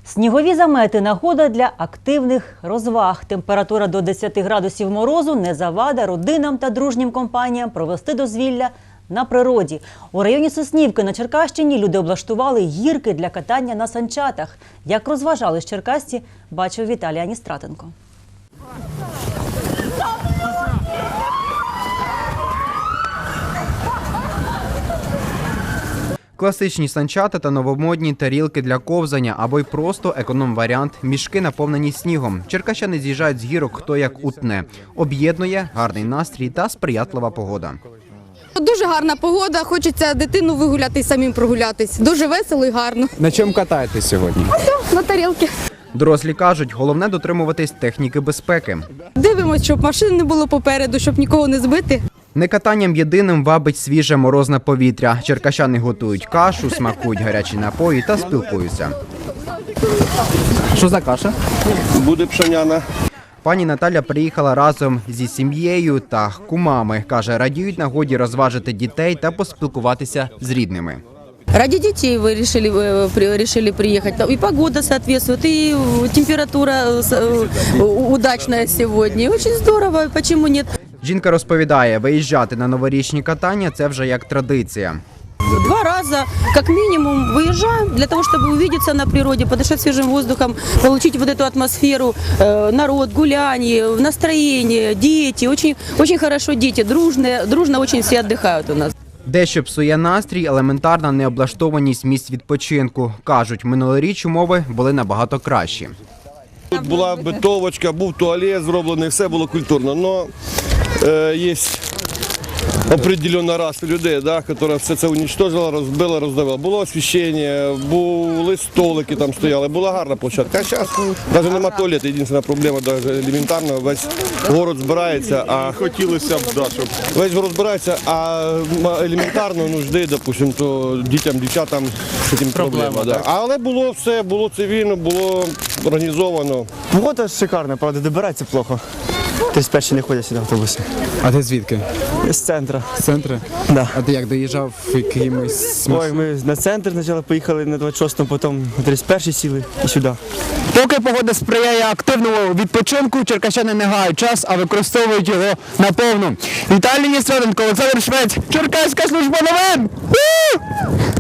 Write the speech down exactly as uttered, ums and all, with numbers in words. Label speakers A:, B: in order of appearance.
A: Снігові замети – нагода для активних розваг. Температура до десяти градусів морозу не завада родинам та дружнім компаніям провести дозвілля на природі. У районі Соснівки на Черкащині люди облаштували гірки для катання на санчатах. Як розважались черкасці, бачив Віталій Аністратенко.
B: Класичні санчата та новомодні тарілки для ковзання або й просто економ-варіант – мішки, наповнені снігом. Черкащани з'їжджають з гірок хто як утне. Об'єднує гарний настрій та сприятлива погода.
C: Дуже гарна погода, хочеться дитину вигуляти і самим прогулятись. Дуже весело і гарно.
D: На чому катаєтесь сьогодні?
C: Ось, на тарілки.
B: Дорослі кажуть, головне дотримуватись техніки безпеки.
C: Дивимось, щоб машин не було попереду, щоб нікого не збити.
B: Не катанням єдиним вабить свіже морозне повітря. Черкащани готують кашу, смакують гарячі напої та спілкуються.
D: Що за каша?
E: Буде пшеняна.
B: Пані Наталя приїхала разом зі сім'єю та кумами. Каже, радіють нагоді розважити дітей та поспілкуватися з рідними.
F: Ради детей вы решили, вы при- решили приехать. И погода соответствует, и температура э, удачная сегодня. Очень здорово, почему нет?
B: Жінка розповідає, виїжджати на новорічні катання – це вже як традиція.
F: Два раза, как минимум, выезжаем для того, чтобы увидеться на природе, подышать свежим воздухом, получить вот эту атмосферу, э, народ, гуляние, настроение, дети. Очень, очень хорошо дети, дружные, дружно очень все отдыхают у нас.
B: Дещо псує настрій – елементарна необлаштованість місць відпочинку. Кажуть, минулоріч умови були набагато кращі.
E: Тут була битовочка, був туалет зроблений, все було культурно. Но е, є определена раса людей, да, яка все це уничтожила, розбила, роздавила. Було освіщення, були столики там стояли, була гарна площадка. А зараз навіть немає туалету, єдина проблема, навіть елементарно, весь город збирається, а хотілося б, да, щоб весь город збирається, а елементарно нужди, допустим, то дітям, дівчатам з цим проблема. Да. Але було все, було цивільно, було організовано.
G: Погода шикарна, правда, добирається плохо. Тобто перші не ходять сюди автобуси.
D: А ти звідки?
G: З центру.
D: З центру?
G: Да.
D: А ти як доїжджав якимось?
G: Ой, ми на центр спочатку поїхали на двадцять шостому, потім на тридцять перший сіли і сюди.
H: Поки погода сприяє активному відпочинку, черкащани не гають час, а використовують його наповну. Віталій Аністратенко, Олександр Швець, Черкаська служба новин! У!